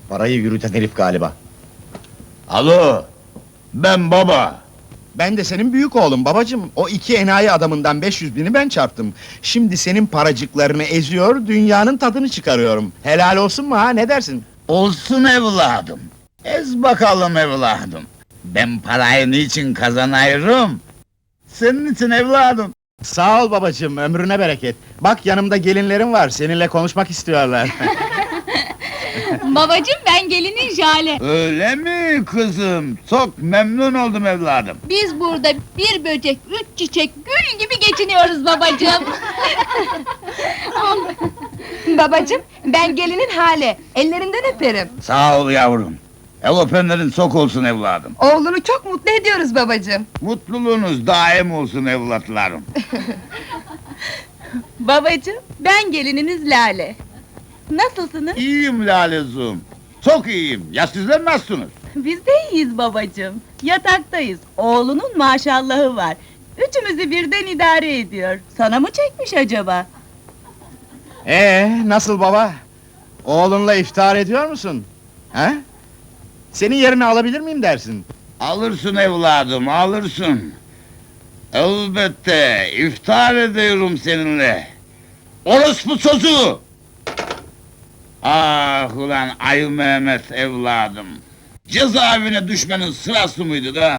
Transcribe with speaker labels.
Speaker 1: Parayı yürüten herif galiba.
Speaker 2: Alo, ben baba.
Speaker 1: Ben de senin büyük oğlum babacığım. O iki enayi adamından 500.000'i ben çarptım. Şimdi senin paracıklarını eziyor, dünyanın tadını çıkarıyorum. Helal olsun mu ha, ne dersin?
Speaker 2: Olsun evladım. Ez bakalım evladım. Ben parayı niçin kazanıyorum? Senin için evladım.
Speaker 1: Sağ ol babacığım, ömrüne bereket. Bak yanımda gelinlerim var, seninle konuşmak istiyorlar.
Speaker 3: Babacığım, ben gelinin Jale.
Speaker 2: Öyle mi kızım? Çok memnun oldum evladım.
Speaker 3: Biz burada bir böcek, üç çiçek, gül gibi geçiniyoruz babacığım.
Speaker 4: Babacığım, ben gelinin Hale, ellerinden öperim.
Speaker 2: Sağ ol yavrum. El öpenlerin çok olsun evladım.
Speaker 4: Oğlunu çok mutlu ediyoruz babacığım.
Speaker 2: Mutluluğunuz daim olsun evlatlarım.
Speaker 4: Babacığım, ben gelininiz Lale. Nasılsınız?
Speaker 2: İyiyim Lalezuğum. Çok iyiyim. Ya sizler nasılsınız?
Speaker 4: Biz de iyiyiz babacığım. Yataktayız. Oğlunun maşallahı var. Üçümüzü birden idare ediyor. Sana mı çekmiş acaba?
Speaker 1: Nasıl baba? Oğlunla iftar ediyor musun? Ha? Senin yerini alabilir miyim dersin?
Speaker 2: Alırsın evladım, alırsın. Elbette, iftar ediyorum seninle. Orospu çocuğu! Ah ulan Ayı Mehmet evladım! Cezaevine düşmenin sırası mıydı da?